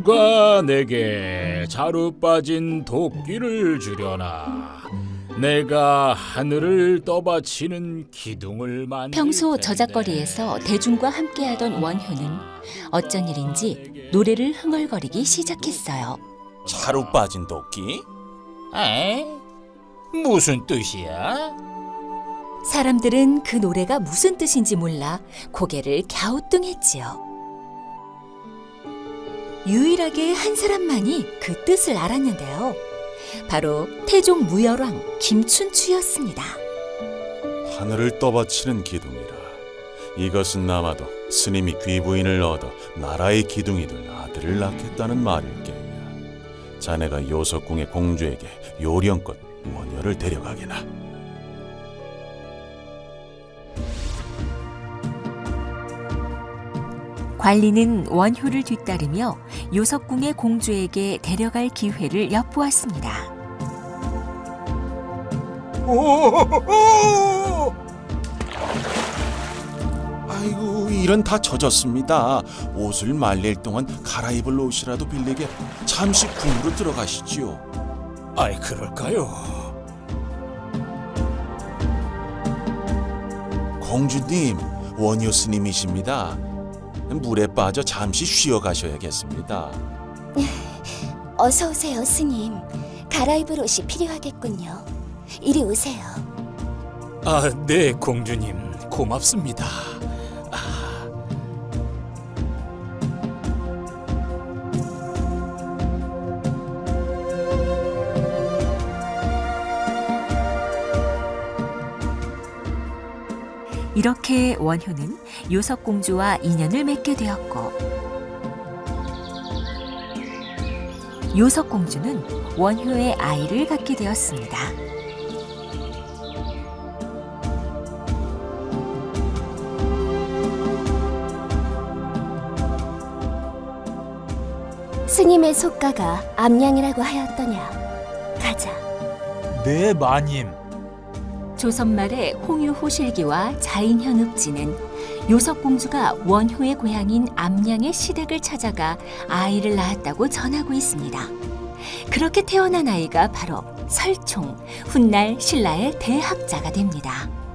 누가 내게 자루 빠진 도끼를 주려나. 내가 하늘을 떠받치는 기둥을 만들 평소 텐데. 저작거리에서 대중과 함께하던 원효는 어쩐 일인지 노래를 흥얼거리기 시작했어요. 자루 빠진 도끼? 에? 무슨 뜻이야? 사람들은 그 노래가 무슨 뜻인지 몰라 고개를 갸우뚱했지요. 유일하게 한 사람만이 그 뜻을 알았는데요. 바로 태종 무열왕 김춘추였습니다. 하늘을 떠받치는 기둥이라. 이것은 아마도 스님이 귀부인을 얻어 나라의 기둥이 될 아들을 낳겠다는 말일게야. 자네가 요석궁의 공주에게 요령껏 원효를 데려가게나. 관리는 원효를 뒤따르며 요석궁의 공주에게 데려갈 기회를 엿보았습니다. 아이고, 일은 다 젖었습니다. 옷을 말릴 동안 갈아입을 옷이라도 빌리게 잠시 궁으로 들어가시지요. 아이 그럴까요? 공주님, 원효 스님이십니다. 물에 빠져 잠시 쉬어 가셔야겠습니다. 어서 오세요, 스님. 갈아입을 옷이 필요하겠군요. 이리 오세요. 아, 네 공주님 고맙습니다. 이렇게 원효는 요석공주와 인연을 맺게 되었고 요석공주는 원효의 아이를 갖게 되었습니다. 스님의 속가가 암양이라고 하였더냐. 가자. 네, 마님. 조선말의 홍유호실기와 자인현읍지는 요석공주가 원효의 고향인 암양의 시댁을 찾아가 아이를 낳았다고 전하고 있습니다. 그렇게 태어난 아이가 바로 설총, 훗날 신라의 대학자가 됩니다.